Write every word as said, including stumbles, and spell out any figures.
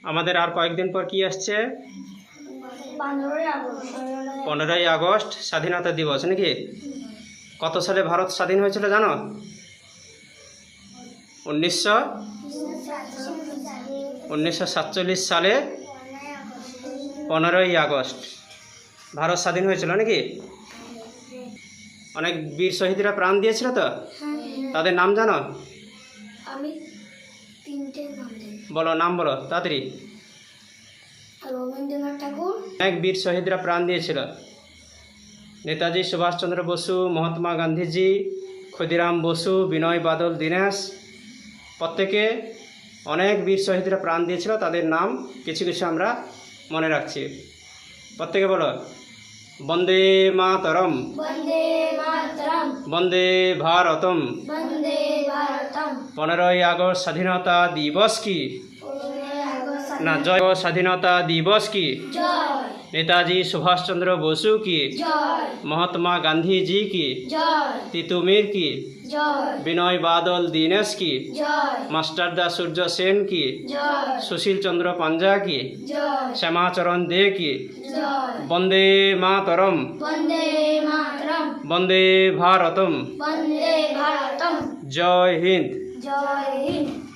আমাদের আর কয়েকদিন পর কি আসছে? পনেরোই আগস্ট পনেরোই আগস্ট স্বাধীনতা দিবস নাকি? কত সালে ভারত স্বাধীন হয়েছিল জানো? উনিশশো উনিশশো সাতচল্লিশ সালে পনেরোই আগস্ট ভারত স্বাধীন হয়েছিল নাকি? অনেক বীর শহীদরা প্রাণ দিয়েছিল তো, তাদের নাম জানো? আমি তিনটে নাম জানি। বলো, নাম বলো তাড়াতাড়ি। রবীন্দ্রনাথ ঠাকুর, অনেক বীর শহীদরা প্রাণ দিয়েছিল। নেতাজি সুভাষচন্দ্র বসু, মহাত্মা গান্ধীজি, ক্ষুদিরাম বসু, বিনয় বাদল দীনেশ, প্রত্যেকে অনেক বীর শহীদরা প্রাণ দিয়েছিল। তাদের নাম কিছু কিছু আমরা মনে রাখছি। প্রত্যেকে বলো, বন্দে মাতরম, বন্দে মাতরম, বন্দে ভারতম। বন্দে ভারতম। পনেরোই আগস্ট স্বাধীনতা দিবস কি? পনেরোই আগস্ট না, জয় স্বাধীনতা দিবস কি? জয়, নেতাজি সুভাষচন্দ্র বসু কি? জয়, মহাত্মা গান্ধীজি কি? জয়, তিতুমির কি? জয়, বিনয় বাদল দীনেশ কি? জয়, মাস্টারদা সূর্য সেন কি? জয়, সুশীল চন্দ্র পাঞ্জা কি? জয়, শ্যামাচরণ দে কি? জয়, বন্দে মাতরম, বন্দে মাতরম, বন্দে ভারতম। বন্দে ভারতম। জয় হিন্দ। জয় হিন্দ।